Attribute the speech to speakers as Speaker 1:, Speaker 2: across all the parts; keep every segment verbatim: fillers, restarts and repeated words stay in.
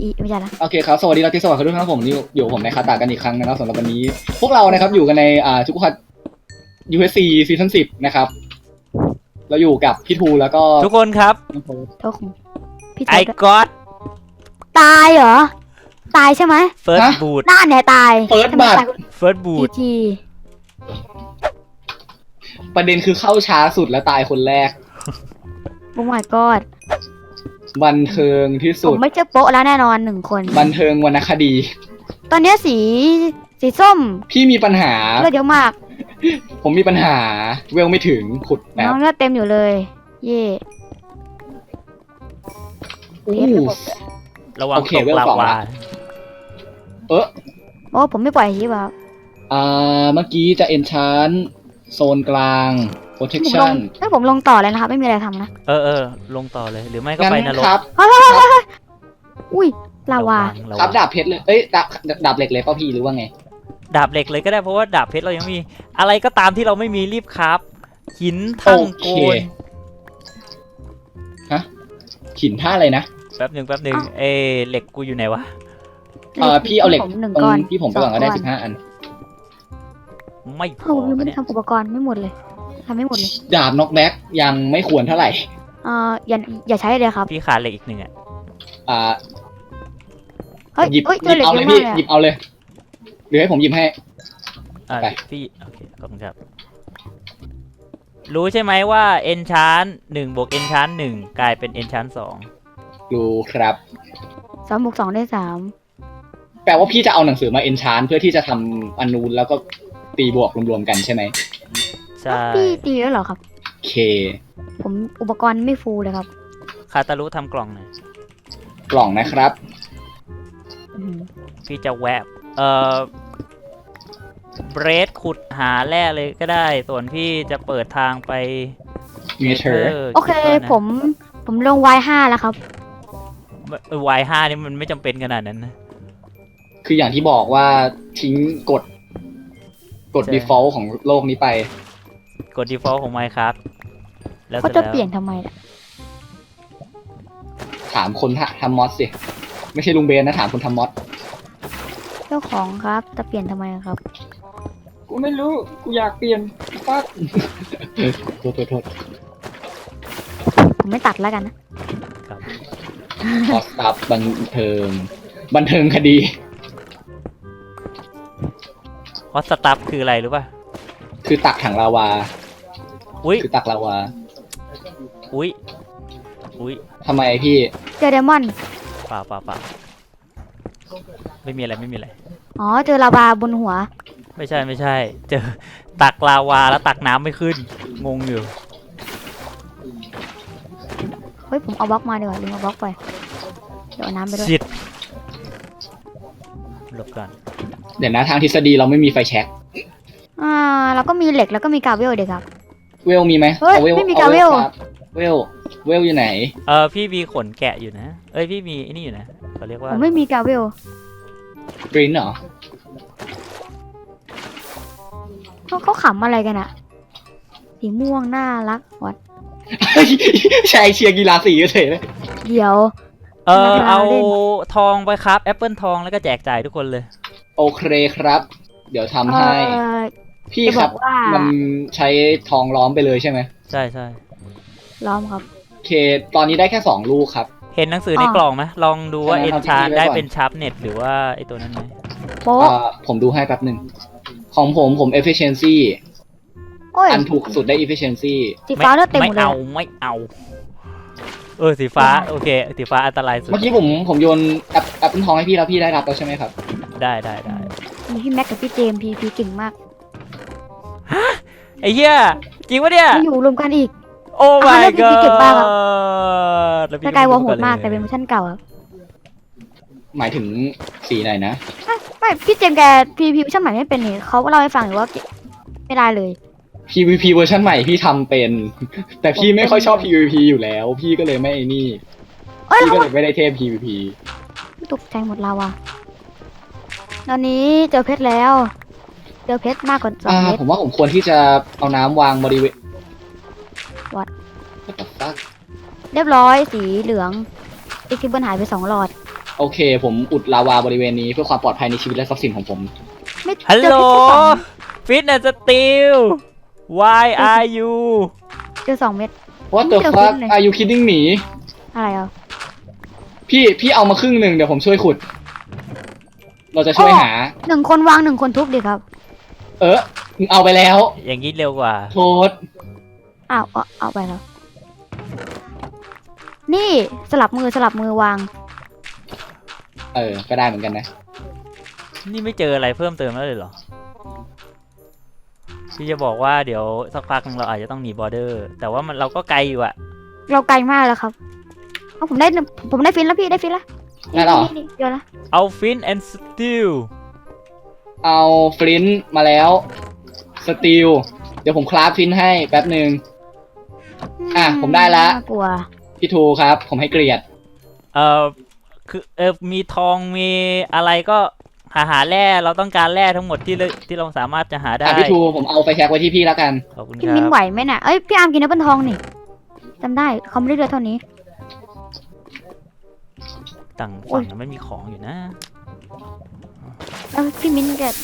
Speaker 1: อีไม่ใช่ละ
Speaker 2: โอเคครับสวัสดีราตรีสวัสดิ์ทุกท่านผมนี่อยู่ผมในคาตากันอีกครั้งนะครับสำหรับวันนี้ พวกเรานะครับอยู่กันในอ่าทุกคน ยู เอส ซี ซีซั่นสิบนะครับเราอยู่กับพี่ทูแล้วก็
Speaker 3: ทุกคนครับ
Speaker 1: โทษของพี่
Speaker 3: I got
Speaker 1: ตายเหรอตายใช่ไหม
Speaker 3: first boot
Speaker 1: หน้าเนี่ยตาย
Speaker 2: เฟิร์สบัต
Speaker 3: first boot
Speaker 1: ที
Speaker 2: ประเด็นคือเข้าช้าสุดและตายคนแรก
Speaker 1: โอ้ my god
Speaker 2: บันเทิงที่
Speaker 1: ผ
Speaker 2: สุด
Speaker 1: มไม่เจอโป๊ะแล้วแน่นอนหนึ่งคน
Speaker 2: บันเทิงวรรณคดี
Speaker 1: ตอนนี้สีสีส้ม
Speaker 2: พี่มีปัญหา
Speaker 1: เลือดเยอะมาก
Speaker 2: ผมมีปัญหาเวลไม่ถึงขุดแบ
Speaker 1: น้
Speaker 2: บ
Speaker 1: องเลือดเต็มอยู่เลยเย่
Speaker 2: อู้
Speaker 3: ระวัง
Speaker 2: โอเค
Speaker 3: ตก
Speaker 2: เวล
Speaker 3: ลา
Speaker 2: สอง
Speaker 3: วา
Speaker 2: ละ เออ
Speaker 1: โอ้ผมไม่ปล่อยทีแบบ
Speaker 2: อ่าเมื่อกี้จะ enchant โซนกลาง
Speaker 1: ผมลง
Speaker 2: protection
Speaker 1: ให้ผมลงต่อเลยนะครับไม่มีอะไรทำนะ
Speaker 3: เออเออลงต่อเลยหรือไม่ก็
Speaker 2: งั้น
Speaker 3: ไปนรก
Speaker 2: ครับ
Speaker 1: อุ้ยลาวา
Speaker 3: ระวัง
Speaker 2: ครับดาบเพชรเลยเอ้ยดาบดาบเหล็กเลยเปล่าพี่หรือว่าไง
Speaker 3: ดาบเหล็กเลยก็ได้เพราะว่าดาบเพชรเรายังมีอะไรก็ตามที่เราไม่มีรีบครับหินทั้งโกน
Speaker 2: ฮะหินท่าอะไรนะ
Speaker 3: แป๊บหนึ่งแป๊บหนึ่งเอเหล็กกูอยู่ไหนวะ
Speaker 2: เออพี่เอาเหล็ก
Speaker 1: ผมหนึ่ง
Speaker 2: ตร
Speaker 1: ก้อน
Speaker 2: งที่ผมไปก่อนก็ได้สิบห้าอัน
Speaker 3: ไม่พ
Speaker 1: เออ
Speaker 3: อ
Speaker 1: ผมยังไม่
Speaker 3: เนี่
Speaker 1: ได้
Speaker 3: ย
Speaker 1: ทำอุปกรณ์ไม่หมดเลยทำไม่หมดเลย
Speaker 2: ดาบน็อกแบ็กยังไม่ควรเท่าไหร่
Speaker 1: เอ่ออย่าอย่าใช้เลยครับ
Speaker 3: พี่ขาดเหล็กอีกหนึ่งอ่ะ
Speaker 2: อ่า
Speaker 1: เฮ้ย
Speaker 2: หยิบ
Speaker 1: เฮ้ย
Speaker 2: ห
Speaker 1: เจอ
Speaker 2: ยิบ
Speaker 1: เหล็ก
Speaker 2: เอา
Speaker 1: เย
Speaker 2: เลย
Speaker 1: อะ
Speaker 2: พี่
Speaker 1: มากเลย
Speaker 2: หยิบเอาเลยหรือให้ผมหยิบให้
Speaker 3: อ่า
Speaker 2: ไป
Speaker 3: พี่โอเคขอบคุณครับรู้ใช่ไหมว่า enchant หนึ่งบวก enchant หนึ่งกลายเป็น enchant สอง
Speaker 2: รู้ครับ
Speaker 1: สามบวกสองได้สาม
Speaker 2: แปลว่าพี่จะเอาหนังสือมาเอนชานเพื่อที่จะทำอันนูนแล้วก็ตีบวกรวมๆกันใช่ไหม
Speaker 3: ใช่
Speaker 1: พี่ตีแล้วเหรอครับ
Speaker 2: โอเค
Speaker 1: ผมอุปกรณ์ไม่ฟูลเลยครับ
Speaker 3: คาตารุทำกล่องหน่อย
Speaker 2: กล่องนะครับ
Speaker 1: อืม
Speaker 3: พี่จะแวบเอ่อเบรดขุดหาแร่เลยก็ได้ ส่วนพี่จะเปิดทางไป
Speaker 2: เมเทอร์
Speaker 1: โอเคผมผมลง วาย ห้า แล้วครับ
Speaker 3: วายห้านี่มันไม่จำเป็นขนาดนั้นนะ
Speaker 2: คืออย่างที่บอกว่าทิ้งกฎกฎ
Speaker 3: ใช่
Speaker 2: default ของโลกนี้ไป
Speaker 3: กด default ของ Minecraft แล้ว
Speaker 1: เขา
Speaker 3: เสร็จ
Speaker 1: จะ
Speaker 3: แล้ว
Speaker 1: เปลี่ยนทำไมล่ะ
Speaker 2: ถามคนทำมอสสิ ไม่ใช่ลุงเบนนะ ถามคนทำมอส
Speaker 1: เจ้าของครับจะเปลี่ยนทำไมครับ
Speaker 2: กูไม่รู้ กูอยากเปลี่ยนปั๊บโทษโทษโทษ
Speaker 1: ผมไม่ตัดแล้วกันนะ
Speaker 2: ขอสตับบันเทิง บันเทิงคดี
Speaker 3: ฮอตสตัฟคืออะไรรู้ป่ะ
Speaker 2: คือตักถังลาวา
Speaker 3: อุ้ย
Speaker 2: คือตักลาวา
Speaker 3: อุ้ยอุ้ย
Speaker 2: ทำไมพี่
Speaker 1: เจอเดมอน
Speaker 3: เปล่าเปล่าเปล่าไม่มีอะไรไม่มีอะไร
Speaker 1: อ๋อเจอลาวาบนหัว
Speaker 3: ไม่ใช่ไม่ใช่ เจอตักลาวาแล้วตักน้ำไม่ขึ้น งงอยู่
Speaker 1: เฮ้ยผมเอาบล็อกมาดีกว่าลืมเอาบล็อกไปเดี๋ยวเอาน้ำไปด้วย
Speaker 3: ชิดหลบก่อน
Speaker 2: เดี๋ยวนะทางทฤษฎีเราไม่มีไฟแช็ก
Speaker 1: อ่าเราก็มีเหล็กแล้วก็มีกาเวลเด็กครับ
Speaker 2: เวลมีไหม
Speaker 1: เฮ้ย
Speaker 2: อ
Speaker 1: ไม่มี
Speaker 2: อ
Speaker 1: กาเวล
Speaker 2: ครับเวล เวลอยู่ไหน
Speaker 3: เออพี่มีขนแกะอยู่นะ เอ้ยพี่มีไอ้นี่อยู่นะเขาเรียก
Speaker 1: ผ
Speaker 3: ว่า
Speaker 1: มไม่มีกาเวล
Speaker 2: กรีนเหรอ
Speaker 1: เขาเขาขำอะไรกันอะสีม่วงน่ารักวัด
Speaker 2: ชายเชียร์กีฬาสีเฉยเลย
Speaker 1: เดี๋ยว
Speaker 3: เออ
Speaker 1: เวลา
Speaker 3: เอา
Speaker 1: เล่น
Speaker 3: ทองไปครับแอปเปิลทองแล้วก็แจกจ่ายทุกคนเลย
Speaker 2: โอเคครับ เดี๋ยวทำ
Speaker 1: เอ่
Speaker 2: ให้
Speaker 1: อ
Speaker 2: พี่
Speaker 1: จะ
Speaker 2: ค
Speaker 1: บ
Speaker 2: รั
Speaker 1: อบ กว่า
Speaker 2: มันใช้ทองล้อมไปเลยใช่ไหม
Speaker 3: ใช่ใช่
Speaker 1: ล้อมครับ
Speaker 2: โอเค ตอนนี้ได้แค่สองลูกครับ
Speaker 3: เห็นหนังสือใน
Speaker 1: อ่า
Speaker 3: กล่องไหมลองดูว่า
Speaker 2: ใช่
Speaker 3: เอ็
Speaker 2: ไหม
Speaker 3: น
Speaker 2: ครับ
Speaker 3: ชา
Speaker 2: พี่
Speaker 3: ได้
Speaker 2: ไว้ก่อน
Speaker 3: เป็นชาร์ปเน็ตหรือว่าไอตัวนั้นไหม
Speaker 1: โป๊ะ
Speaker 2: เอ่อผมดูให้แป๊บหนึ่ง ของผมผม efficiency
Speaker 1: โอ้ย
Speaker 2: อันถูกสุดได้ efficiency
Speaker 1: สีฟ้าเลือดเต็มหมดเลย
Speaker 3: ไม่เอา
Speaker 1: อะ
Speaker 3: ไม่เอา เออสีฟ้าโอเคสีฟ้าอันตรายสุด
Speaker 2: เมื่อกี้ผมผมโยนแอปแอปเปิลทองให้พี่แล้วพี่ได้รับแล้วใช่ไหมครับ
Speaker 3: ได้ได้ได้
Speaker 1: มีพี่แม็กกับพี่เจมส์พีพีเก่งมาก
Speaker 3: ไอ้เหี้ยจริงปะเนี่ย
Speaker 1: มาอยู่รวมกันอีก
Speaker 3: โอ้
Speaker 1: อ่ะ
Speaker 3: my
Speaker 1: แล้วพี่
Speaker 3: god
Speaker 1: เก่งมากครับ
Speaker 3: แล้วพี่
Speaker 1: สกายวอลโห
Speaker 3: รู้
Speaker 1: ดมาก
Speaker 3: ลย
Speaker 1: แต่เป็นเวอร์ชันเก่าครับ
Speaker 2: หมายถึงสีไหนนะ
Speaker 1: อ่ะไม่พี่เจมส์แกพีพีเวอร์ชันใหม่ไม่เป็นนี่เขาเล่าให้ฟังอยู่ว่าไม่ได้เลย
Speaker 2: พี วี พี เวอร์ชันใหม่พี่ทำเป็น แต่พี่ไม่ค่อยชอบ พี วี พี อยู่แล้ว พี่ก็เลยไม่ไอ้นี่
Speaker 1: เอ้ย
Speaker 2: พี่
Speaker 1: เขา
Speaker 2: ก็เลยไม่ได้เทพ พี วี พี
Speaker 1: ตกใจหมดเราอะตอนนี้เจอเพชรแล้ว เจอเพชรมากกว่าสอง
Speaker 2: อ่า
Speaker 1: เม็ด
Speaker 2: ผมว่าผมควรที่จะเอาน้ำวางบริเวณ
Speaker 1: What?
Speaker 2: What the fuck
Speaker 1: เรียบร้อยสีเหลืองอีกที่เบิ้ลหายไปสองหลอด
Speaker 2: โอเค ผมอุดลาวาบริเวณนี้เพื่อความปลอดภัยในชีวิตและทรัพย์สินของผม
Speaker 1: ไม่
Speaker 3: ฮัล
Speaker 1: เจ
Speaker 3: โหล
Speaker 1: อเพชรแค่สอง
Speaker 3: ฟิตแอนด์สตีล why are you
Speaker 1: เจอสองเม็ด
Speaker 2: What the
Speaker 1: ไม่เจอ
Speaker 2: fuck
Speaker 1: เลย
Speaker 2: are you kidding me
Speaker 1: อะไรอ่ะ
Speaker 2: พี่พี่เอามาครึ่งหนึ่งเดี๋ยวผมช่วยขุด เราจะช่วย
Speaker 1: อ๋อ
Speaker 2: หา
Speaker 1: หนึ่งคนวางหนึ่งคนทุบดิครับ
Speaker 2: เออมึงเอาไปแล้ว
Speaker 3: อย่างนี้เร็วกว่า
Speaker 2: โทษ
Speaker 1: อ้าวเอาเอาไปแล้ว นี่สลับมือสลับมือวาง
Speaker 2: เออ ก็ได้เหมือนกันนะ
Speaker 3: นี่ไม่เจออะไรเพิ่มเติมแล้วเลยเหรอ พี่จะบอกว่าเดี๋ยวสักพักหนึงเราอาจจะต้องหนีบอร์เดอร์ แต่ว่ามันเราก็ไกลอยู่อะ
Speaker 1: เราไกลมากแล้วครับเอาผมได้ผมได้ฟินแล้วพี่ได้ฟินแล้ว
Speaker 2: ได้แล้วเหรอ
Speaker 1: นี่ๆๆเดี๋ยวนะ
Speaker 3: เอาฟินแอนด์สตีล
Speaker 2: เอาฟลินต์มาแล้วสตีลเดี๋ยวผมคราฟฟลินต์ให้แป๊บหนึ่ง อ่ะผมได้ละ
Speaker 1: น่ากลัว
Speaker 2: พี่ทูครับ ผมให้เกลียด
Speaker 3: เอ่อคือเออมีทองมีอะไรก็หาหาแร่เราต้องการแร่ทั้งหมดที่เราที่เราสามารถจะหาได้
Speaker 2: อ่ะพี่ทูผมเอาไฟแช็กไว้ที่พี่แล้วกัน
Speaker 3: ขอบคุณค
Speaker 1: พี่
Speaker 3: รั
Speaker 1: มิน
Speaker 3: บ
Speaker 1: ไหวไหมน่ะเอ้ยพี่อาร์มกินแอปเปิลทองนี่จำได้เขาไม่ได้เลือดเท่านี้
Speaker 3: ต่างฝั่งนั้นไม่มีของอยู่นะ
Speaker 1: เอ้าพี่มินแก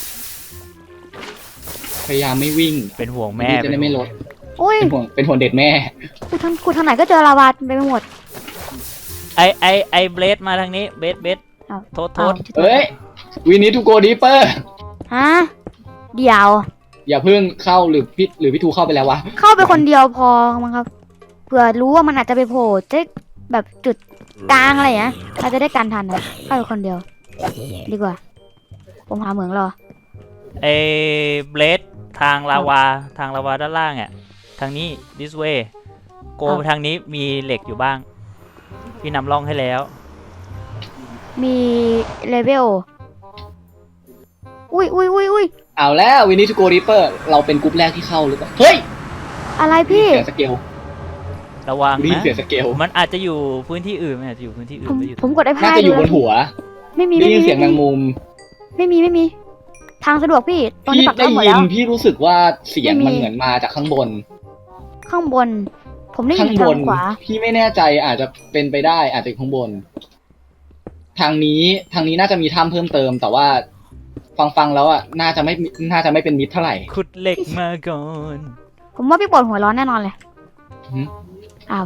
Speaker 2: พยายามไม่วิ่ง
Speaker 3: เป็นห่วงแม่
Speaker 2: พี่จะได้ไม่ลด
Speaker 1: โอ้ย
Speaker 2: เป็นห่วงเป็นห่วงเด็กแม่
Speaker 1: กูทางกูทางไหนก็เจอลาวาไปหมด
Speaker 3: ไอไอไอเบลดมาทางนี้เบลดเบลด
Speaker 1: อ้าว
Speaker 3: โทษโทษ
Speaker 1: อ้าว
Speaker 2: เอ้ยวินิทูโกดีเปอร์
Speaker 1: ฮะเดี๋ยว
Speaker 2: อย่าเพิ่งเข้าหรือพี่หรือพี่ทูเข้าไปแล้ววะ
Speaker 1: เข้าไปคนเดียวพอมั้งครับเผื่อรู้ว่ามันอาจจะไปโผล่จะแบบจุดกลางอะไรอย่างเงี้ยเราจะได้การทันนะเข้าไปคนเดียว ดีกว่า ผมหาเหมืองรอ
Speaker 3: ไอเบลดทางลาวาทางลาวาด้านล่างอ่ะทางนี้ this way โก
Speaker 1: ครับ
Speaker 3: ไปทางนี้มีเหล็กอยู่บ้าง พี่นำร่องให้แล้ว
Speaker 1: มีเลเวลอุ้ยอุ้ยอุ้ยอุ้ย
Speaker 2: เอาแล้ววินิทูโกดีเปอร์เราเป็นกรุ๊ปแรกที่เข้าหรือเปล่าเฮ้ย
Speaker 1: อะไรพี่
Speaker 2: เสียสเกล
Speaker 3: ระวัง
Speaker 2: รีบ
Speaker 3: นะ
Speaker 2: เสียสเกล
Speaker 3: มันอาจจะอยู่พื้นที่อื่นมันอาจจะอยู่พื้นที่อื่
Speaker 1: ผ
Speaker 3: น
Speaker 1: ม
Speaker 3: ไม่อยู่
Speaker 1: ผมกดไอ้
Speaker 2: น่า
Speaker 1: พาย
Speaker 2: จะอยู่บน
Speaker 1: ดู
Speaker 2: หัว
Speaker 1: ไม่มี
Speaker 2: ได้
Speaker 1: ไม่
Speaker 2: ยิน
Speaker 1: มี
Speaker 2: เสียงแมงมุม
Speaker 1: ไม่มีไม่มี ทางสะดวกพี่ ตอนนี้
Speaker 2: พี่
Speaker 1: ปัก
Speaker 2: ได้
Speaker 1: เข้าหมด
Speaker 2: ยิ
Speaker 1: แล้
Speaker 2: น
Speaker 1: ว
Speaker 2: พี่รู้สึกว่าเสียง
Speaker 1: ไม่มี
Speaker 2: มันเหมือนมาจากข้างบน
Speaker 1: ข้างบน ผมได้ยิ
Speaker 2: ข้าน งบ
Speaker 1: ทาน งขวา
Speaker 2: พี่ไม่แน่ใจอาจจะเป็นไปได้อาจจะอยู่ข้างบน ทางนี้ทางนี้น่าจะมีถ้ำเพิ่มเติม แต่ว่าฟังฟังๆแล้วอ่ะน่าจะไม่น่าจะไม่เป็นมิตรเท่าไหร่
Speaker 3: ขุดเหล็กมาก่อน
Speaker 1: ผมว่าพี่ปวดหัวร้อนแน่นอนเลย
Speaker 2: หืม
Speaker 1: อ้าว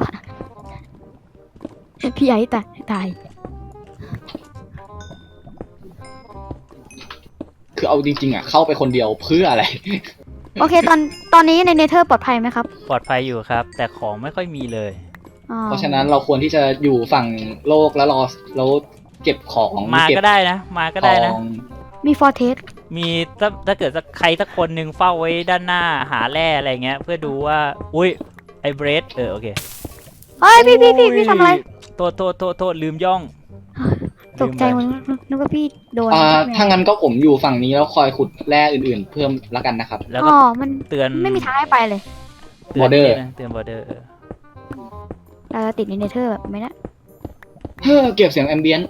Speaker 1: พี่ไอ้ตายตาย
Speaker 2: คือเอาจริงๆอ่ะเข้าไปคนเดียวเพื่ออะไร
Speaker 1: โอเค ตอนตอนนี้ในเนเธอร์ปลอดภัยไหมครับ
Speaker 3: ปลอดภัยอยู่ครับ แต่ของไม่ค่อยมีเลย
Speaker 1: อ๋อ
Speaker 2: เพราะฉะนั้นเราควรที่จะอยู่ฝั่งโลกแล้วรอแล้วเก็บของ
Speaker 3: มา
Speaker 2: เก็บ
Speaker 3: ก็ได้นะ มาก็ได้นะ
Speaker 2: ของ
Speaker 1: มีฟอร์เทส
Speaker 3: มีถ้าถ้าเกิดสักใครสักคนหนึ่งเฝ้าไว้ด้านหน้าหาแร่อะไรเงี้ย เพื่อดูว่า อุ้ยไอเบรดเออโอเค
Speaker 1: เฮ้ยพี่พี่พี่พี่ทำอะไร
Speaker 3: โทษโทษโทษโทษลืมย่อง
Speaker 1: ตกใจหม
Speaker 3: ลื
Speaker 1: ด
Speaker 3: มไป
Speaker 1: นึกว่าพี่โดน
Speaker 2: อ่า
Speaker 1: ไม่
Speaker 2: ถ้างั้นก็ผมอยู่ฝั่งนี้แล้วคอยขุดแร่อื่นๆ เพิ่มแล้วกันนะครับ
Speaker 3: แล้ว
Speaker 1: อ๋
Speaker 3: ก็
Speaker 1: อ มัน
Speaker 3: เตือน
Speaker 1: ไม่มีทางให้ไปเลย
Speaker 3: ตืน
Speaker 2: border
Speaker 3: เตือนบอร์เดอร์
Speaker 1: เราจะติดในเนเธอร์แบบไหมนะ
Speaker 2: เฮ้อเก็บเสียงแอมเบียนต์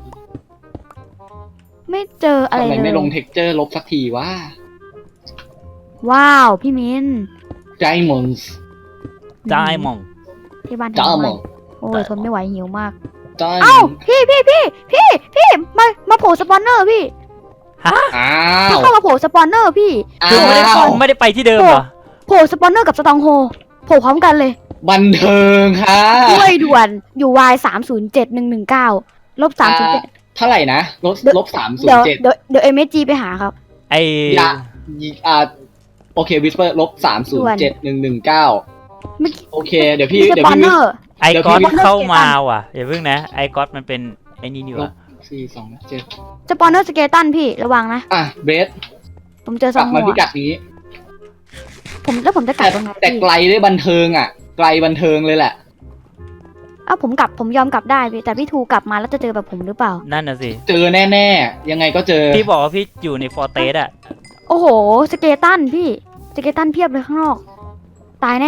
Speaker 1: ไม่เจออะไร
Speaker 2: ทำไม
Speaker 1: เล
Speaker 2: ไม่ลง
Speaker 1: ย
Speaker 2: เท็กเจอร์ลบสักทีวะ
Speaker 1: ว้าว พี่มิน
Speaker 2: Diamonds
Speaker 3: จายมอง
Speaker 1: ที่บ้าน
Speaker 2: จ้า
Speaker 1: ทำ
Speaker 2: หม
Speaker 1: ไม
Speaker 2: อง
Speaker 1: โอ้ยทนไม่ไหวหิวมาก
Speaker 2: Diamond
Speaker 1: เอ้า พี่พี่พี่พี่พี่มามาโผล่สปอนเนอร์พี่
Speaker 3: ฮะ
Speaker 2: อ้า
Speaker 1: พี่
Speaker 2: ว
Speaker 1: เข้ามาโผล่สปอนเนอร์พี่
Speaker 2: อ้า
Speaker 3: คือไม่ได้
Speaker 2: ว
Speaker 3: ไม่ได้ไปที่เดิมเหรอ
Speaker 1: โผล่สปอนเนอร์กับสตองโฮโผล่พร้อมกันเลย
Speaker 2: บันเทิงค่ะ
Speaker 1: ด้วยด่วนอยู่วายสามศูนย์เจ็ดหนึ่งหนึ่งเก้าลบสามศูนย์เจ็ด
Speaker 2: เท่าไหร่นะลบ
Speaker 1: เดี๋ยว
Speaker 2: ลบสามศูน
Speaker 1: เดี๋ยว
Speaker 2: ย์เจ็ด
Speaker 1: เดี๋ยวเดี๋ยวเอ็มเอจีไปหาครับ
Speaker 3: ไอ
Speaker 2: อย่าอ่าโอเควิสเปอร์ลบสามศูนย์เจ็ดหนึ่งหนึ่งเก้า
Speaker 1: เมื่อกี้
Speaker 2: โอเค เดี๋ยวพี่
Speaker 1: มีส
Speaker 2: เดี๋ยว
Speaker 1: ปอน
Speaker 2: พี่
Speaker 1: เนอร์
Speaker 3: ไอ
Speaker 2: เดี๋ยว
Speaker 3: ก๊อต
Speaker 2: พี่
Speaker 3: เข้ามาว่ะอย่าเพิ่งนะไอก๊อตมันเป็นไอนี่นี่
Speaker 2: ล
Speaker 3: ว่ะ
Speaker 2: บสี่สองเจ็ด
Speaker 1: สปอนเนอร์สเกตันพี่ระวังนะ
Speaker 2: อ่ะเบส
Speaker 1: ผมเจอส
Speaker 2: ก
Speaker 1: อ
Speaker 2: ลั
Speaker 1: ง
Speaker 2: บ
Speaker 1: หั
Speaker 2: มาว พิกัดนี้
Speaker 1: ผมแล้วผมจะกลั
Speaker 2: แต่
Speaker 1: บตรงไหน
Speaker 2: แต่
Speaker 1: พี่
Speaker 2: ไกลได้บันเทิงอ่ะ ไกลบันเทิงเลยแหละ
Speaker 1: เอ้าผมกลับผมยอมกลับได้พี่แต่พี่ทูกลับมาแล้วจะเจอแบบผมหรือเปล่า
Speaker 3: นั่นน่ะสิ
Speaker 2: เจอแน่ๆ ยังไงก็เจอ
Speaker 3: พี่บอกว่าพี่อยู่ในฟอร์เตสอะ
Speaker 1: โอ้โหสเกตันพี่สเกตันเพียบเลยข้างนอก ตายแน่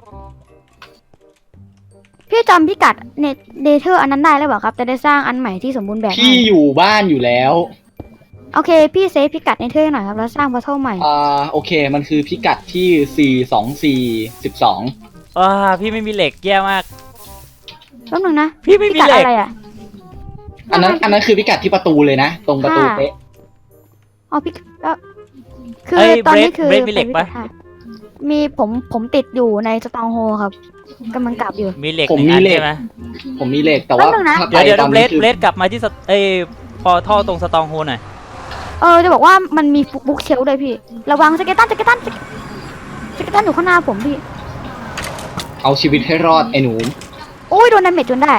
Speaker 1: พี่จำพิกัดเนเนเธอร์อันนั้นได้แล้วเปล่าครับจะได้สร้างอันใหม่ที่สมบูรณ์แบบ
Speaker 2: พี่
Speaker 1: ให้
Speaker 2: อยู่บ้านอยู่แล้ว
Speaker 1: โอเค พี่เซฟพิกัดเนเธอร์ให้หน่อยครับแล้วสร้างพอร์ทัลใหม่
Speaker 2: อ่าโอเค มันคือพิกัดที่สี่สองสี่สิบสอง
Speaker 3: อ่าพี่ไม่มีเหล็กแย่มาก
Speaker 1: แป๊บนึงนะ
Speaker 3: พี่ไม่
Speaker 1: พิ
Speaker 3: มี
Speaker 1: กัด
Speaker 3: เหล็ก
Speaker 1: อะไรอ่ะ
Speaker 2: อันนั้นอันนั้นคือพิกัดที่ประตูเลยนะ ตรงประตูเป๊ะ
Speaker 1: อ๋อพี่ก็คือ
Speaker 3: เอ้ย
Speaker 1: ตอน
Speaker 3: เบร
Speaker 1: นี้
Speaker 3: ด
Speaker 1: คือ
Speaker 3: เบรดมีเหล็กปะ
Speaker 1: มีผมผมติดอยู่ในสตองโฮครับกำลังกลับอยู่
Speaker 3: มีเหล็ก
Speaker 2: ผม
Speaker 3: หนึ่ง
Speaker 2: มี
Speaker 3: อัน
Speaker 2: เหล็ก
Speaker 3: ใช่ไหม
Speaker 2: ผมมีเหล็กแต่ว่า
Speaker 1: แป๊บนึงนะ
Speaker 2: ถ้า
Speaker 3: เดี๋ยวเดี๋ยว
Speaker 2: ไปตอน
Speaker 3: เบร
Speaker 2: นี้
Speaker 3: ด
Speaker 2: คือ
Speaker 3: เบรดกลับมาที่สตเอ้ยพอท่อตรงสตองโฮหน่อย
Speaker 1: เออจะบอกว่ามันมีบุ๊กเชลด้วยพี่ ระวังสเกตันสเกตันสเกตันอยู่ข้างหน้าผมพี่
Speaker 2: เอาชีวิตให้รอดไอ้หนู
Speaker 1: โอ้ยโดนดาเมจจนได้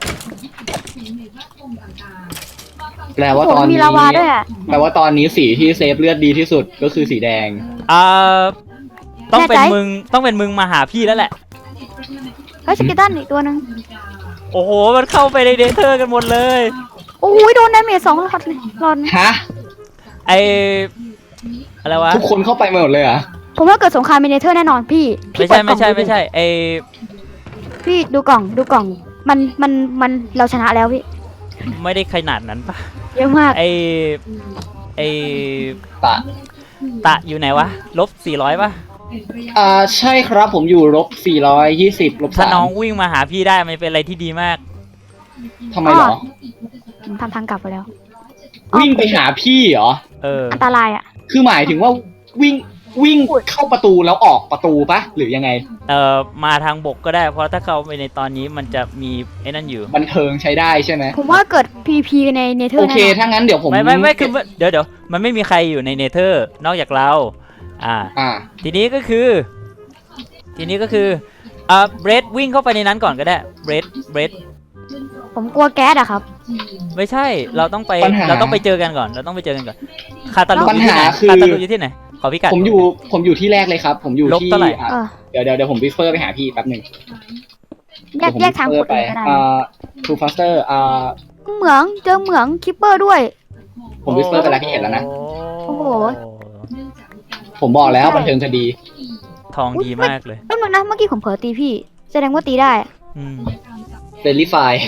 Speaker 2: แปลว่า
Speaker 1: โอ้
Speaker 2: ต
Speaker 1: โห
Speaker 2: อน
Speaker 1: มี
Speaker 2: นี้
Speaker 1: ลาวาด้วยอ่ะ
Speaker 2: แปลว่าตอนนี้สีที่เซฟเลือดดีที่สุดก็คือสีแดง
Speaker 3: อ่าต้องเป็น
Speaker 1: แน่ใจ
Speaker 3: มึงต้องเป็นมึงมาหาพี่แล้วแหละ
Speaker 1: เฮ้ยสเกตันอีกตัวหนึง
Speaker 3: โอ้โหมันเข้าไปในเดเธอร์กันหมดเลย
Speaker 1: โอ้ยโดนดาเมจสองหลอดเลยหลอด
Speaker 2: ฮะ
Speaker 3: ไออะไรวะ
Speaker 2: ทุกคนเข้าไปหมดเลยเหรอ
Speaker 1: ผมว่าเกิดสงครามมินเนเธอร์แน่นอนพี่พี่
Speaker 3: ไม่ใช่
Speaker 1: เปิดกล่
Speaker 3: ไม่
Speaker 1: อง
Speaker 3: ใช่
Speaker 1: ดูดิ
Speaker 3: ไม่ใช่ไอ
Speaker 1: พี่ดูกล่องดูกล่อง มันมันมันเราชนะแล้วพี่
Speaker 3: ไม่ได้ขนาดนั้นปะ
Speaker 1: เยอะมาก
Speaker 3: ไอไอ
Speaker 2: ตะ
Speaker 3: ตะอยู่ไหนวะลบสี่ร้อยปะ
Speaker 2: อ่าใช่ครับผมอยู่ลบสี่ร้อยยี่สิบลบ
Speaker 3: ถ้า
Speaker 2: สาม
Speaker 3: น้องวิ่งมาหาพี่ได้มันเป็นอะไรที่ดีมาก
Speaker 2: ทำไมเหรอ
Speaker 1: ผมทำทางกลับไปแล้ว
Speaker 2: วิ่งไปหาพี่เหรอ
Speaker 3: เออ
Speaker 1: อันตรายอ่ะ
Speaker 2: คือหมายถึงว่าวิ่งวิ่งเข้าประตูแล้วออกประตูปะหรือยังไง
Speaker 3: เอ่อมาทางบกก็ได้ เพราะถ้าเข้าไปในตอนนี้มันจะมีไอ้นั่นอยู่
Speaker 2: บันเทิงใช้ได้ใช่ไหม
Speaker 1: ผมว่าเกิด พี พี ในเนเธอ
Speaker 2: โอ
Speaker 1: ร์
Speaker 2: เค
Speaker 1: แน่นอน
Speaker 2: ถ้างั้นเดี๋ยวผม
Speaker 3: ไม่ไม่ไม่คือเดี๋ยวเดี๋ยวมันไม่มีใครอยู่ในเนเธอร์นอกจากเรา อ่า
Speaker 2: อ่า
Speaker 3: ทีนี้ก็คือ ทีนี้ก็คืออ่าเบรดวิ่งเข้าไปในนั้นก่อนก็ได้เบรดเบรด
Speaker 1: ผมกลัวแก๊สอะครับ
Speaker 3: ไม่ใช่เราต้องไป
Speaker 2: ปัญหา
Speaker 3: เราต้องไปเจอกันก่อนเราต้องไปเจอกันก่อนคาตาลู
Speaker 2: ปัญ
Speaker 3: อยู่ที่
Speaker 2: หา
Speaker 3: ไหน
Speaker 2: คือ
Speaker 3: คาตาลูอยู่ที่ไหนขอพิกัด
Speaker 2: ผมอยู่ผมอยู่ที่แรกเลยครับ ผมอยู่
Speaker 3: ลบ
Speaker 2: ที่
Speaker 3: เท่าไหร่
Speaker 2: อ่ะ
Speaker 1: เออ
Speaker 2: เดี๋ยวเดี๋ยวเดี๋ยวผมวิสเปอร์ไปหาพี่แป๊บหนึ่ง
Speaker 1: แยกแยกทางขุด
Speaker 2: ไป
Speaker 1: เลยก็ได้
Speaker 2: อ่าทูฟาสเตอร์อ่า
Speaker 1: เหมืองเจอเหมืองคิปเปอร์ด้วย
Speaker 2: ผมวิสเปอร์ไปแล้วพี่เห็นแล้วนะ
Speaker 1: โอ้โห
Speaker 2: ผมบอกแล้วบันเทิงคดี
Speaker 3: ทองดีมากเลย
Speaker 1: แป๊บนึงนะเมื่อกี้ผมเผลอตีพี่ แสดงว่าตีได้
Speaker 3: อืม
Speaker 2: เดลิฟาย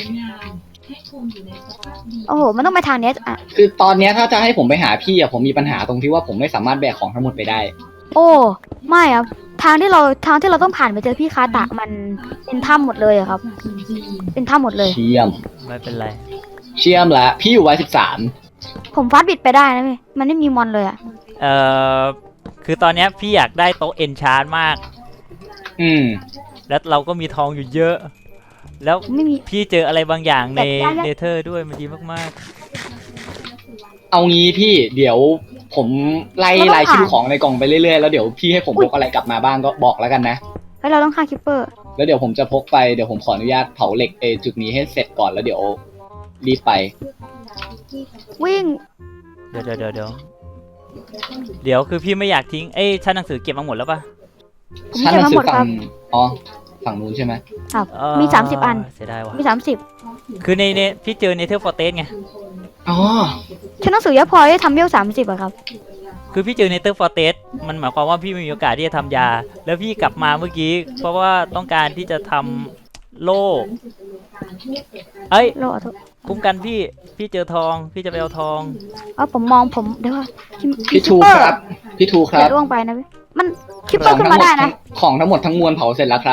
Speaker 1: โอ้โห มันต้องไปทางเนี้ยอ่ะ
Speaker 2: คือตอนเนี้ยถ้าจะให้ผมไปหาพี่อะผมมีปัญหาตรงที่ว่าผมไม่สามารถแบกของทั้งหมดไปได้
Speaker 1: โอ้ ไม่อะทางที่เราทางที่เราต้องผ่านไปเจอพี่คาตะมันเป็นถ้ำหมดเลยอะครับ เป็นถ้ำหมดเลย
Speaker 2: เชี่ยม
Speaker 3: ไม่เป็นไร
Speaker 2: เชี่ยมละพี่อยู่ไว้สิบสาม
Speaker 1: ผมฟาดบิดไปได้นะพี่ มันไม่มีมอนเลยอะ
Speaker 3: เอ่อคือตอนเนี้ยพี่อยากได้โต๊ะเอนชาร์มาก
Speaker 2: อืม
Speaker 3: แล้วเราก็มีทองอยู่เยอะ แล้ว
Speaker 1: ไม่มี
Speaker 3: พี่เจออะไรบางอย่างใน
Speaker 1: แต่ได้
Speaker 3: เนเธอร์ด้วยมันดีมาก
Speaker 2: เอางี้พี่เดี๋ยวผมไล่รายชื่อของในกล่องไปเรื่อยๆแล้วเดี๋ยวพี่ให้ผมพกอะไรกลับมาบ้างก็บอกแล้วกันนะ
Speaker 1: เฮ้ยเราต้องฆ่าคิปเปอร์
Speaker 2: แล้วเดี๋ยวผมจะพกไปเดี๋ยวผมขออนุญาตเผาเหล็กเออจุดนี้ให้เสร็จก่อนแล้วเดี๋ยวรีบไป
Speaker 1: วิ่ง
Speaker 3: ๆ เดี๋ยวเดี๋ยวเดี๋ยวเดี๋ยวเดี๋ยวคือพี่ไม่อยากทิ้ง เอ้ยชั้นหนังสือเก็บมาหมดแล้วปะ
Speaker 1: ผม
Speaker 2: ชั้น
Speaker 1: เก็บ
Speaker 2: หนั
Speaker 1: มาง
Speaker 2: สื
Speaker 1: หม
Speaker 2: อ
Speaker 1: ดค
Speaker 2: ฝั่
Speaker 1: รั
Speaker 2: ง
Speaker 1: บ
Speaker 2: อ๋อฝั่งนู้นใช่ไหม
Speaker 1: ครับ
Speaker 3: เอ่อ
Speaker 1: มีสามสิบอัน
Speaker 3: เสียดายว่ะ
Speaker 1: มีสามสิบ
Speaker 3: คือในเนพี่เจอเนเธอร์ฟอร์เตสไง
Speaker 2: อ๋อ
Speaker 1: ฉันหนังสือเยอะพอที่ทำเวลสามสิบอะครับ
Speaker 3: คือพี่เจอเนเธอร์ฟอร์เตสมันหมายความว่าพี่ไม่มีโอกาสที่จะทำยา แล้วพี่กลับมาเมื่อกี้ เพราะว่าต้องการที่จะทำโล่เอ้ย
Speaker 1: โลอะทุก
Speaker 3: คุ้มกันพี่ พี่เจอทอง พี่จะไปเอาทอง
Speaker 1: เอาผมมองผมเดี๋ยวว่า
Speaker 2: พี่ทูครับพี่ทูค
Speaker 1: อ
Speaker 2: รับ
Speaker 1: ย่าล่วงไปนะพี่มันคิปเปอร์ขึ้นมาได้นะ
Speaker 2: ของทั้งหมดทั้งมวลเผาเสร็จแล้วครับ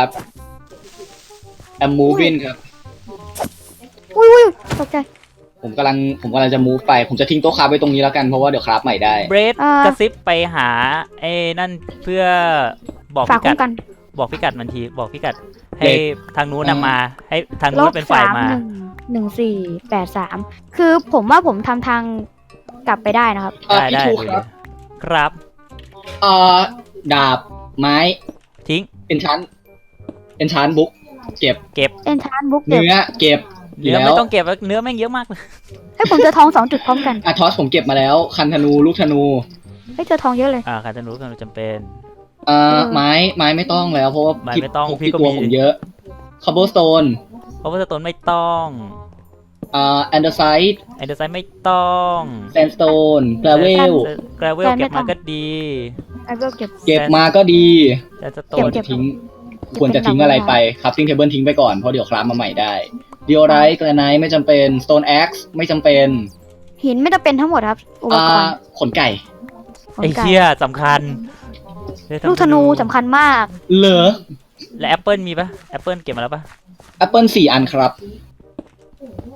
Speaker 2: I'm moving ครับ
Speaker 1: อุ้ยอุ้ยตกใจ
Speaker 2: ผมกำลังผมกำลังจะ move ไป ผมจะทิ้งโต๊ะคราฟไว้ตรงนี้แล้วกันเพราะว่าเดี๋ยวคราฟใหม่ได้
Speaker 3: เบรด
Speaker 1: อ่า
Speaker 3: กระซิบไปหาไอ้นั่นเพื่อบอก
Speaker 1: ฝาก
Speaker 3: พิกั
Speaker 1: คุ้
Speaker 3: ด
Speaker 1: มกัน
Speaker 3: บอกพิกัดมันที บอกพิกัด ให้
Speaker 2: เด็ก
Speaker 3: ทางนู้น
Speaker 2: อืม
Speaker 3: นำมา ให้ทาง
Speaker 1: ล
Speaker 3: นู้น
Speaker 1: บ
Speaker 3: เป็นฝ่า
Speaker 1: สาย ม
Speaker 3: มา
Speaker 1: หนึ่งหนึ่งสี่แปดสามคือผมว่าผมทำทางกลับไปได้นะครับ
Speaker 2: เอ่อ
Speaker 3: ได้
Speaker 2: พี่
Speaker 3: ได้
Speaker 2: ทู
Speaker 3: เลย
Speaker 2: ครับ
Speaker 3: ครับ
Speaker 2: เอ่อดาบไม้
Speaker 3: ทิ้ง
Speaker 2: enchant enchant book เก็บ
Speaker 3: เก็บ
Speaker 1: เอนชานบุ๊กเก็บ
Speaker 2: เนื้อเก็บ
Speaker 3: เนื้อ
Speaker 2: แล้
Speaker 3: ไม่
Speaker 2: ว
Speaker 3: ต้องเก็บแล้วเนื้อแม่งเยอะมากเลย
Speaker 1: เฮ้ยผมเจอทองสองจุดพร้อมกัน
Speaker 2: อาทอสผมเก็บมาแล้ว คันธนูลูกธนู
Speaker 1: เฮ้ยเจอทองเยอะเลย
Speaker 3: อ่าการจะรู้กันจำเป็น
Speaker 2: เอ่อ
Speaker 1: เออ
Speaker 2: ไม้ไม้ไม่ต้องแล้วเพราะว่า
Speaker 3: ไม้
Speaker 2: พี่
Speaker 3: ไม่ต้อง
Speaker 2: พว
Speaker 3: พี่ก็
Speaker 2: กลัว
Speaker 3: มี
Speaker 2: ผมเยอะ cobblestone
Speaker 3: เพราะว่าสโตนไม่ต้อง
Speaker 2: เอ่อ andesite
Speaker 3: ไอเดอร์ไซด์ไม่ต้อง
Speaker 2: sandstone gravel
Speaker 3: กราเวลเก็บมาก็ดี
Speaker 1: ไอ้เวลเก็บ
Speaker 2: เก็บมาก็ดี
Speaker 3: แต่สโต
Speaker 1: เก็
Speaker 3: น
Speaker 1: บเก็บ
Speaker 2: ทิ้งควรจะทิ้งอะไรไปครับทิ้งเทเบิลทิ้งไปก่อนเพราะเดี๋ยวคราฟมาใหม่ได้ diorite granite ไม่จำเป็น stone axe ไม่จำเป็น
Speaker 1: หินไม่ต้องเป็นทั้งหมดครับ อุป
Speaker 2: อ่าก
Speaker 1: รณ์
Speaker 2: ขนไก่
Speaker 1: ขน
Speaker 3: ไอ
Speaker 1: ไก่
Speaker 3: เชี่ยสำคัญได้
Speaker 1: ลูกธนูสำคัญมาก
Speaker 2: เหลือ
Speaker 3: และแอปเปิลมีปะแอปเปิลเก็บมาแล้วปะ
Speaker 2: แอปเปิลสี่อันครับ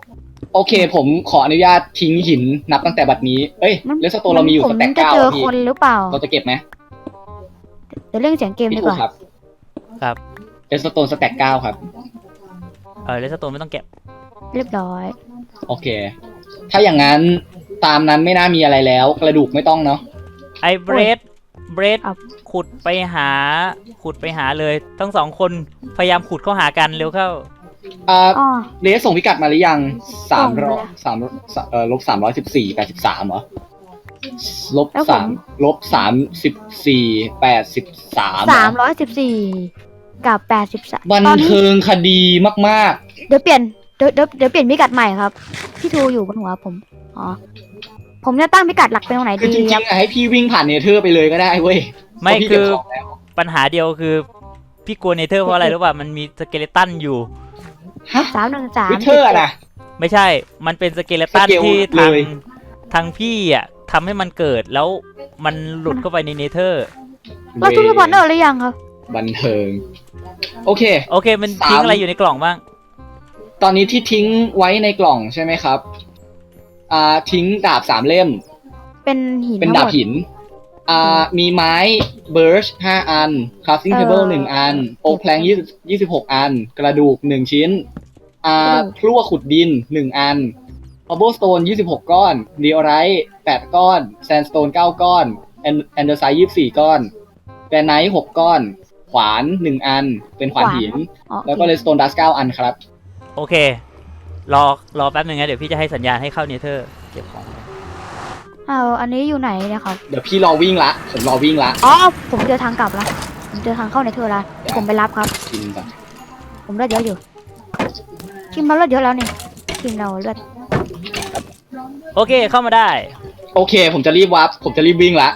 Speaker 2: โอเค ผมขออนุญาตทิ้งหินนับตั้งแต่บัดนี้เอ้ย
Speaker 1: มัน
Speaker 2: เลสโตนเรามีอยู่
Speaker 1: ผ
Speaker 2: ส
Speaker 1: ม
Speaker 2: แต็ก
Speaker 1: จะ
Speaker 2: เก้า
Speaker 1: เจอ
Speaker 2: อะพี่
Speaker 1: คนหรือเปล่า
Speaker 2: เราจะเก็บไหม
Speaker 1: เดี๋ยวเรื่องเสียงเกม
Speaker 2: พี่
Speaker 1: ดี
Speaker 2: ถู
Speaker 1: ก
Speaker 2: ก
Speaker 1: ว่า
Speaker 2: ครับ
Speaker 3: ครับ
Speaker 2: เลสโตนสแต็กเก้าครับ
Speaker 3: เออเลสโตนไม่ต้องเก็บ
Speaker 1: เรียบร้อย
Speaker 2: โอเค ถ้าอย่างนั้นตามนั้นไม่น่ามีอะไรแล้ว กระดูกไม่ต้องเนาะ
Speaker 3: ไอ้เบรดเบรด
Speaker 1: ครับ
Speaker 3: ขุดไปหา ขุดไปหาเลย ทั้งสองคนพยายามขุดเข้าหากันเร็วเข้า
Speaker 2: อ่า
Speaker 1: อ๋อ
Speaker 2: เลสส่งพิกัดมาหรือยังสาม
Speaker 1: ส่งไป
Speaker 2: ร้อ
Speaker 1: แล้
Speaker 2: ยว สามเอ่อลบสามร้อยสิบสี่แปดสิบสามเหรอลบ
Speaker 1: แล้วผม
Speaker 2: สามลบสามสิบสี่แปดสิบสาม
Speaker 1: สามร้อยสิบสี่กับแปดสิบสาม
Speaker 2: บัน
Speaker 1: ตอนนี้
Speaker 2: เทิงคดีมาก
Speaker 1: เดี๋ยวเปลี่ยนเดี๋ยวเดี๋ยวเดี๋ยวเปลี่ยนพิกัดใหม่ครับพี่ทูอยู่บนหัวผมอ๋อผมจะตั้งพิกัดหลักเป็นตรงไหน
Speaker 2: ๆ คือ
Speaker 1: ดี
Speaker 2: จริ
Speaker 1: ครั
Speaker 2: ง
Speaker 1: บ
Speaker 2: ๆอะให้พี่วิ่งผ่านเนเธอร์ไปเลยก็ได้เว้ย
Speaker 3: ไม่
Speaker 2: เพราะพี่
Speaker 3: คือ
Speaker 2: เก็บของแล้ว
Speaker 3: ปัญหาเดียวคือ พี่กลัวเนเธอร์เพราะอะไรรู้ป่ะ มันมีสเกเลตันอยู่
Speaker 2: ฮะ
Speaker 1: สามหนึ่งสาม
Speaker 2: วิเทอร์อะนะ
Speaker 3: ไม่ใช่ มันเป็นสเกเลตัน
Speaker 2: สเกล
Speaker 3: ที่
Speaker 2: เล
Speaker 3: ทาง
Speaker 2: ย
Speaker 3: ทางพี่อ่ะทำให้มันเกิดแล้วมันหลุดเข้าไปในเนเธอร์
Speaker 1: เราทุกทุกวันเนอร์หรือยังครับ
Speaker 2: บันเทิง โอเค
Speaker 3: โอเค มันทิ้ง
Speaker 2: สาม
Speaker 3: อะไรอยู่ในกล่องบ้าง
Speaker 2: ตอนนี้ที่ทิ้งไว้ในกล่องใช่ไหมครับ อ่า ทิ้งดาบสามเล่ม
Speaker 1: เป็นหิน
Speaker 2: เป็น
Speaker 1: ทั้ง
Speaker 2: ดา
Speaker 1: ห
Speaker 2: บ
Speaker 1: มด
Speaker 2: หิน อ่า มีไม้เบิร์ชห้าอัน คราฟติ้ง
Speaker 1: เออ
Speaker 2: เทเบิลหนึ่งอัน โอ๊กแพลงยี่สิบยี่สิบหกอัน กระดูกหนึ่งชิ้น อ่า พลั่วขุดดินหนึ่งอันคอ b เบิลสโตนยี่สิบหกก้อนเดียไรท์แปดก้อน แซนสโตนเก้าก้อนแอนแอนเดอร์ไซยี่สิบสี่ก้อนแกรไนท์หกก้อน ขวานหนึ่งอัน เป็นขวานหิน
Speaker 1: อ๋อ
Speaker 2: แล้วก็เลสโตนดัสเก้าอันครับ
Speaker 3: โอเค รอ รอแป๊บนึงนะ เดี๋ยวพี่จะให้สัญญาณให้เข้าเนเธอร์ เก็บของ
Speaker 1: เอาอันนี้อยู่ไหนเนะครับ
Speaker 2: เดี๋ยวพี่รอวิ่งละ ผมรอวิ่งละ
Speaker 1: อ๋อผมเจอทางกลับละผมเจอทางเข้าในเธอละผมไปรับครับ
Speaker 2: กินก่อน
Speaker 1: ผมเลือดเยอะอยู่ทีมเราเลือดเยอะแล้วนี่ทีมเราเลือด
Speaker 3: โอเค เข้ามาได้
Speaker 2: โอเค ผมจะรีบวับผมจะรีบวิ่งละ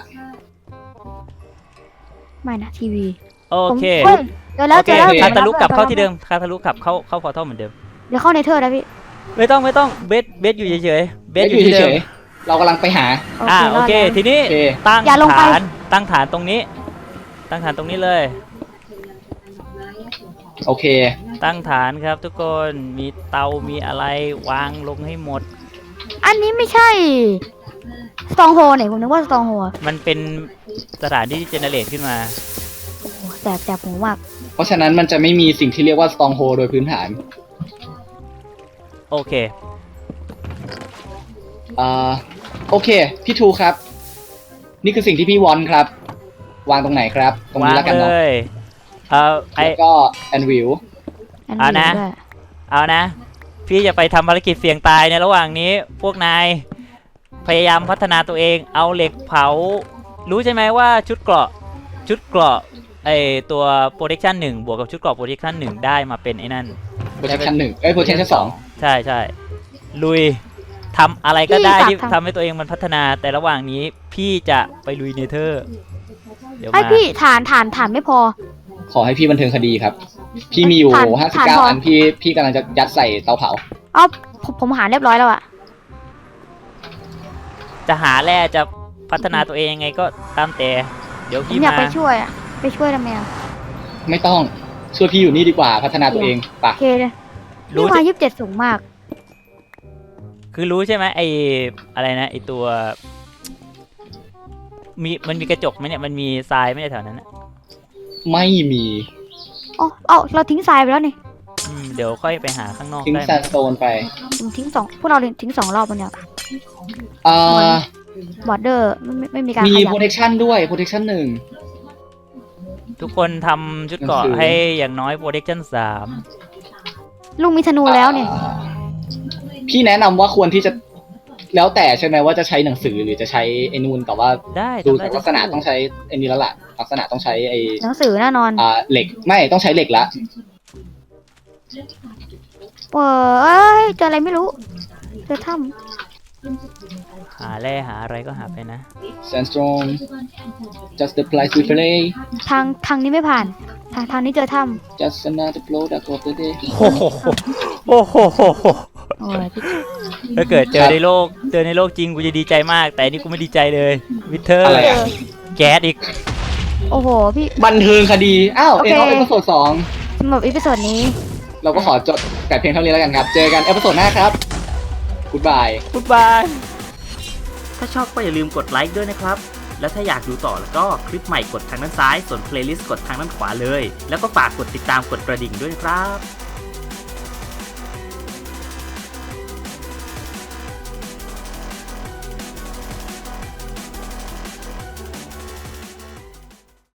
Speaker 1: ไม่นะทีวี
Speaker 3: โอเค
Speaker 1: ผมฮ้ยเจอแล้ว
Speaker 3: โอ
Speaker 1: เจ
Speaker 3: เค
Speaker 1: อแล้ว
Speaker 2: โอเค
Speaker 3: คาตาลุกกลับเข้า
Speaker 1: จอ
Speaker 3: ที่เดิม คาตาลุกกลับเข้า เข้าพอร์ทัลเหมือนเดิม
Speaker 1: เดี๋ยวเข้าในเธอแล้วพี่
Speaker 3: ไม่ต้อง ไม่ต้อง เบส เบสอยู่เฉยๆ เบสอยู่
Speaker 2: อยู่
Speaker 3: ที่เดิ
Speaker 2: เฉ
Speaker 3: ม
Speaker 2: ยๆเรากำลังไปหา
Speaker 3: อ่า โอเค
Speaker 1: รดแล้ว
Speaker 3: ทีนี้
Speaker 2: โอเค
Speaker 3: ตั้ง
Speaker 1: อย่าลงไป
Speaker 3: ฐาน ตั้งฐานตรงนี้ ตั้งฐานตรงนี้เลย
Speaker 2: โอเค
Speaker 3: ตั้งฐานครับทุกคน มีเตา มีอะไรวางลงให้หมด
Speaker 1: อันนี้ไม่ใช่สตองโฮเนี่ยผมนึกว่าสตองโฮ
Speaker 3: มันเป็นสถานที่ที่เจเนเรตขึ้นมา
Speaker 1: โอ้โหแสบแสบหูมาก
Speaker 2: เพราะฉะนั้นมันจะไม่มีสิ่งที่เรียกว่า stronghold โดยพื้นฐาน
Speaker 3: โอเค
Speaker 2: อ่า โอเค พี่ทูครับ นี่คือสิ่งที่พี่วอนครับ วางตรงไหนครับ ตรง
Speaker 3: วา
Speaker 2: นี้
Speaker 3: ง
Speaker 2: แล้วกัน
Speaker 3: เล
Speaker 2: เนาะ
Speaker 3: ย เอาไอ
Speaker 2: แล้วก็แอนวิล
Speaker 1: อัน
Speaker 3: เอา
Speaker 1: นี้
Speaker 3: นะ
Speaker 1: ด้วย
Speaker 3: เอานะ พี่จะไปทำภารกิจเสี่ยงตายในระหว่างนี้ พวกนาย พยายามพัฒนาตัวเอง เอาเหล็กเผา รู้ใช่ไหมว่าชุดเกราะ ชุดเกราะ ไอตัว protection หนึ่งบวกกับชุดเกราะ protection หนึ่งได้มาเป็นไอ้นั่น
Speaker 2: protection หนึ่งเอ้ย protection สอง
Speaker 3: ใช่ใช่ลุยทำอะไรก็ได้ที่ทำให้ตัวเองมันพัฒนา แต่ระหว่างนี้พี่จะไปลุยเนเธอร์ เดี๋ยว
Speaker 1: ไอ
Speaker 3: มา
Speaker 1: พี่ฐานฐานฐานไม่พอ
Speaker 2: ขอให้พี่บันเทิงคดีครับ พี่มีอยู่
Speaker 1: ผ่าน
Speaker 2: ห้าสิบ
Speaker 1: ผ่าน
Speaker 2: เก้า
Speaker 1: พออั
Speaker 2: อัน พี่ พี่กำลังจะยัดใส่เตาเผา
Speaker 1: เอ้าผมผมหาเรียบร้อยแล้วอะ
Speaker 3: จะหาแร่จะพัฒนาตัวเองยังไงก็ตามแต่ เดี๋ยว
Speaker 1: ผม
Speaker 3: พี่
Speaker 1: อยาก
Speaker 3: มา
Speaker 1: ไปช่วยอะไปช่วยทำไมอะ
Speaker 2: ไม่ต้อง ช่วยพี่อยู่นี่ดีกว่า พัฒนาตัวเองปะ
Speaker 1: โอเคเลย
Speaker 3: รู้
Speaker 1: นี่มายี่สิบเจ็ดสูงมาก
Speaker 3: คือรู้ใช่ไหมไออะไรนะไอตัว มีมันมีกระจกไหมเนี่ยมันมีทรายไหมในแถวนั้นนะ
Speaker 2: ไม่มี
Speaker 1: อ๋อเอ้าเราทิ้งทรายไปแล้วนี่
Speaker 3: อืมเดี๋ยวค่อยไปหาข้างนอก
Speaker 2: ทิ้ง
Speaker 3: ได้
Speaker 2: แซนสโตนไป
Speaker 1: ผมทิ้งสองพวกเราทิ้งสองรอบมันเนี่ย
Speaker 2: อ่า
Speaker 1: บอร์เดอร์ไม่ไม่ไม่มีการ
Speaker 2: มี
Speaker 1: ขยับ
Speaker 2: protection ด้วย protection หนึ่ง
Speaker 3: ทุกคนทำชุดเกราะ
Speaker 2: หนังสือ
Speaker 3: ให้อย่างน้อย protection สาม
Speaker 1: ลุงมีธนูแล้วเนี่ย
Speaker 2: อ่าพี่แนะนำว่าควรที่จะ แล้วแต่ใช่ไหมว่าจะใช้หนังสือหรือจะใช้ไอ้นูนแต่ว่า
Speaker 3: ได้
Speaker 2: ดู
Speaker 3: ทำได้
Speaker 2: จากลักษณะต้องใช้ไอ้นี้แล้วล่ะ ลักษณะต้องใช้ไอ้
Speaker 1: หนังสือแน่นอน
Speaker 2: อ่าเหล็ก ไม่ต้องใช้เหล็กละ
Speaker 1: เออเอ้ยเจออะไรไม่รู้เจอถ้
Speaker 3: หาแร่หาอะไรก็หาไปนะ
Speaker 2: sandstone just the place we play
Speaker 1: ำทางทางนี้ไม่ผ่าน ทางทางนี้เจอถ้
Speaker 2: just another product of the day
Speaker 3: โอ้โหโอ้โห
Speaker 1: ำโอ้ยพี่
Speaker 3: ถ้าเกิดเจอในโลกเจอในโลกจริงกูจะดีใจมาก แต่อันนี่กูไม่ดีใจเลยวิเทอร์
Speaker 2: อะไร
Speaker 1: เจ
Speaker 2: อะ
Speaker 1: อ
Speaker 3: แก๊สอีก
Speaker 1: โอ้โหพี่
Speaker 2: บันเทิงคดี อ้าว
Speaker 1: โอ
Speaker 2: เอ็
Speaker 1: เค
Speaker 2: นออฟเอพิโซดสอง
Speaker 1: สำหรับอีพิโซดนี้
Speaker 2: เราก็ขอจบแต่เพียงเท่านี้แล้วกันครับ เจอกันเอพิโซดหน้าครับกูดบาย
Speaker 3: บ๊ายบาย ถ้าชอบก็อย่าลืมกดไลค์ด้วยนะครับ แล้วถ้าอยากดูต่อแล้วก็คลิปใหม่กดทางด้านซ้าย ส่วนเพลย์ลิสต์กดทางด้านขวาเลย แล้วก็ฝากกดติดตามกดกระดิ่งด้วยนะครับ